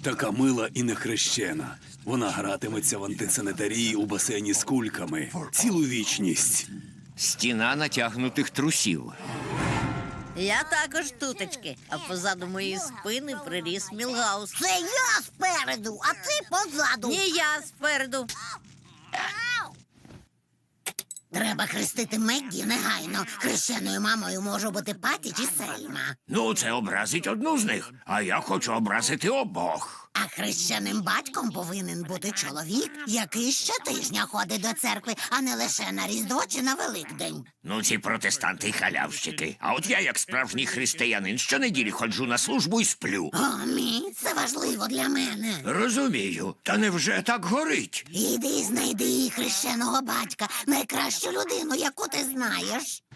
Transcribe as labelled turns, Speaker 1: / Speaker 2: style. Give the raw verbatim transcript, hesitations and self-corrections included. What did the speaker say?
Speaker 1: Така мила і нехрещена. Вона гратиметься в антисанітарії у басейні з кульками. Цілу вічність.
Speaker 2: Стіна натягнутих трусів.
Speaker 3: Я також тутечки, а позаду моєї спини приріс Мілгаус.
Speaker 4: Це я спереду, а ти позаду.
Speaker 3: Ні, я спереду.
Speaker 4: Треба хрестити Меггі негайно. Хрещеною мамою може бути Паті чи Сельма.
Speaker 2: Ну, це образить одну з них, а я хочу образити обох.
Speaker 4: А хрещеним батьком повинен бути чоловік, який щотижня ходить до церкви, а не лише на Різдво чи на Великдень.
Speaker 2: Ну, ці протестанти й халявщики. А от я, як справжній християнин, щонеділі ходжу на службу і сплю.
Speaker 4: О, мій, це важливо для мене.
Speaker 2: Розумію. Та невже так горить?
Speaker 4: Іди знайди хрещеного батька, найкращу людину, яку ти знаєш.